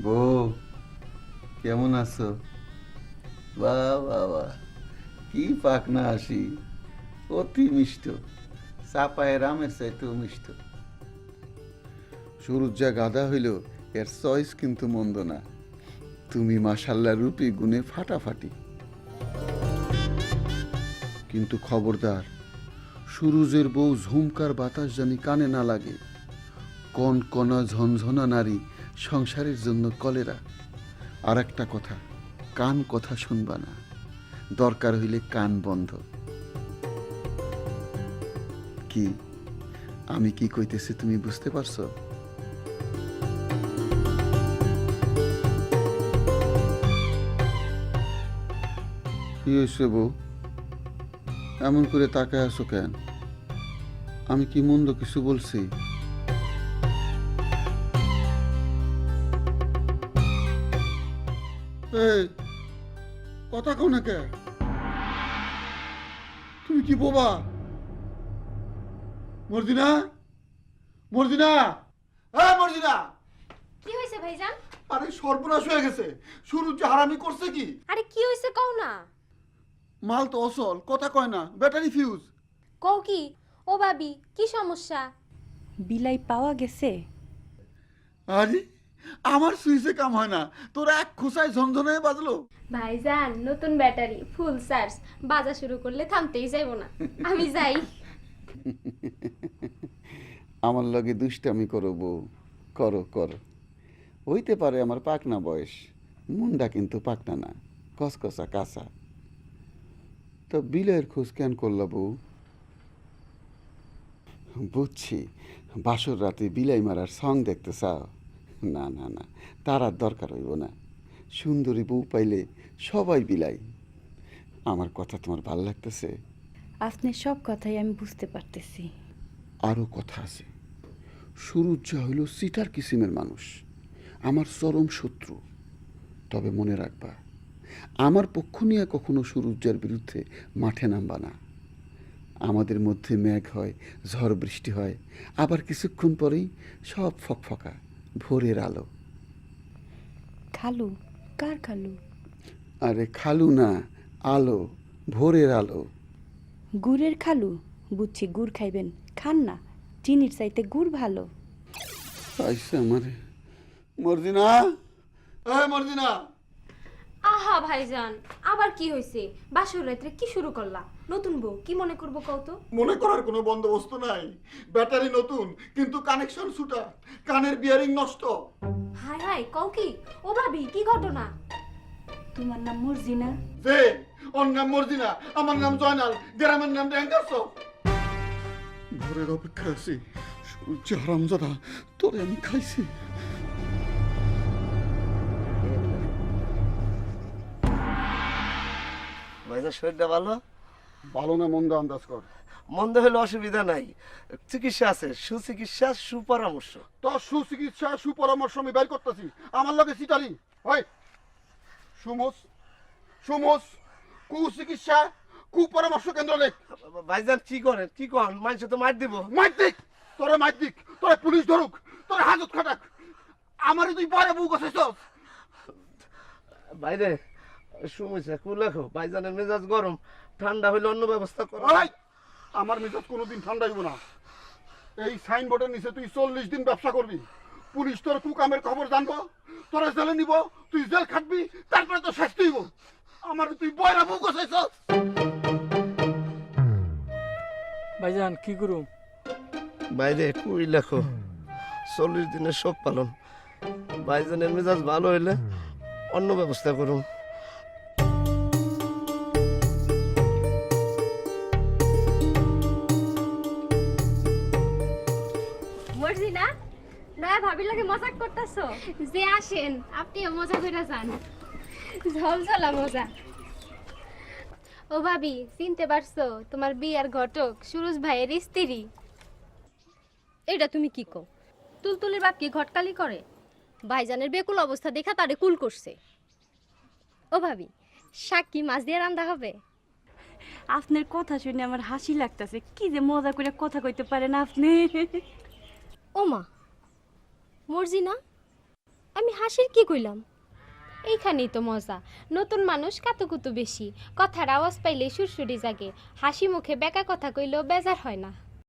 বউ, কেমন আছো? বাহ বাহ বাহ, কি পাকনা হাসি! অতি মিষ্ট, চাপায় রামের চাইতেও মিষ্ট। সূরজ যা গাধা হইল, এর চয়েস কিন্তু মন্দ না। তুমি মাশাল্লাহ রূপী গুণে ফাটাফাটি। কিন্তু খবরদার, সুরুজের বউ ঝুমকার বাতাস জানি কানে না লাগে। কনকনা ঝনঝনা নারী সংসারের জন্য কলেরা। আর একটা কথা, কান কথা শুনবা না, দরকার হইলে কান বন্ধ। কি আমি কি কইতেছি তুমি বুঝতে পারছো? কি হয়েছে বউ, এমন করে তাকায় আছো কেন? আমি কি মন্দ কিছু বলছি? এই কথা কও না কে? তুমি কি বোবা? মর্জিনা, মর্জিনা, হ্যাঁ মর্জিনা! কি হয়েছে ভাইজান? আরে সর্বনাশ হয়ে গেছে। সূরজ যে হারামি করছে কি! আরে কি হয়েছে কও না। মাল তো অসল, কথা কয় না, ব্যাটারি ফিউজ। কও কি? ও ভাবি কি সমস্যা? বিলাই পাওয়া গেছে? আরে আমার সুইচে কাম হয় না, তোরা এক খোসায় ঝনঝনে বাজলো। ভাইজান নতুন ব্যাটারি ফুল চার্জ, বাজা শুরু করলে থামতেই যাইবো না। আমি যাই। আমার লগে দুষ্টামি করো বউ, করো করো। হইতে পারে আমার পাকনা বয়স, মুন্ডা কিন্তু পাকনা না, কসকসা কাঁচা। তো বিলের খোঁজ কেন করলা বউ? বুঝছি, বাসর রাতে বিলাই মারার সং দেখতে চাও। না না না, তার আর দরকার হইব না। সুন্দরী বউ পাইলে সবাই বিলাই। আমার কথা তোমার ভাল লাগতেছে? আপনার সব কথাই আমি বুঝতে পারতেছি। আরও কথা আছে। সুরুজ যা হইল সিটার কিসিমের মানুষ, আমার চরম শত্রু। তবে মনে রাখবা, আমার পক্ষ নিয়ে কখনো সুরুজ্জার বিরুদ্ধে মাঠে নামবা না। আমাদের মধ্যে মেঘ হয়, ঝড় বৃষ্টি হয়, আবার কিছুক্ষণ পরেই সব ফকফকা ভোরের আলো। খালু? কার খালু? আরে খালু না, আলো, ভোরের আলো। গুড়ের খালু? বুঝছি, গুড় খাইবেন, খান না, চিনির চাইতে গুড় ভালো। আইসা আমারে। মর্জিনা, মর্জিনা! আহা ভাইজান, আবার কি হয়েছে? বাসর রাত্রে কি শুরু করলা? নতুন বউ কি মনে করবো কও তো? মনে করার কোনো বন্দোবস্ত নাই। ব্যাটারি নতুন, কিন্তু কানেকশন ছুটা, কানের বিয়ারিং নষ্ট। হাই হাই, কও কি? ও ভাবি কি ঘটনা? তোমার নাম মর্জিনা? যে ওর নাম মর্জিনা, আমার নাম জয়নাল, গ্রামের নাম ড্যাঙ্গারস। ভোরের অপেক্ষা আছি। সূর্য হারামজাদা, তোরে আমি খাইছি। ভাইজান শরীরটা ভালো? ভালো না মন্দ আন্দাজ কর। মন্দ হলে অসুবিধা নাই, চিকিৎসা আছে, সুচিকিৎসা সুপরামর্শ। তোর সুচিকিৎসা সুপরামর্শ আমি বের করতেছি। আমার লগে সিটারি হয় সুমোস, সুমোস কুচিকিৎসা কুপরামর্শ কেন্দ্র লেখ। ভাইজান কি করেন, কি করেন? মানুষ তো মার দিব। মাইতিক, তোরে মাইতিক, তোরে পুলিশ ধরুক, তোরে হাজত খাটাক। আমারে তুই পরে বউ গেছিস। বাইরে সমস্যা কু লেখো, ভাইজানের মেজাজ গরম, ঠান্ডা হইলে অন্য ব্যবস্থা করো। আমার মেজাজ কোনোদিন ঠান্ডা হইব না। এই সাইনবোর্ডের নিচে তুই 40 দিন ব্যবসা করবি, পুলিশ তোর কুকামের খবর জানবো, তোরা জেলে নিব, তুই জেল খাটবি, তারপরে তো শাস্তি হইব। আমার তুই বয়রা বউ গেছিস। ভাইজান কি করু? বাইরে কুই লেখো, 40 দিনের শোক পালন। ভাইজানের মেজাজ ভালো হইলে অন্য ব্যবস্থা করুন। মর্জিনা, নয়া ভাবির লাগে মজাক করতেছো? যে আসেন, আপনিও মজা কইরা যান। ঝলঝলা মজা। ও ভাবি, চিনতে পারছো? তোমার বিয়ার ঘটক সুরজ ভাইয়ের স্ত্রী। এটা তুমি কি কও? তুলতুলির বাপ কি ঘটকালি করে? ভাইজানের বেকুল অবস্থা দেখা তারে কুল করছে। ও ভাবি, শাক কি মাছ দিয়ে রান্না হবে? আপনার কথা শুনে আমার হাসি লাগতেছে। কি যে মজা করে কথা কইতে পারেন আপনি। ও মা, মর্জিনা, আমি হাসির কি কইলাম? এইখানেই তো মজা। নতুন মানুষ কাতুকুতু বেশি, কথার আওয়াজ পাইলে সুরসুরি জাগে, হাসি মুখে বেকা কথা কইলেও বেজার হয় না।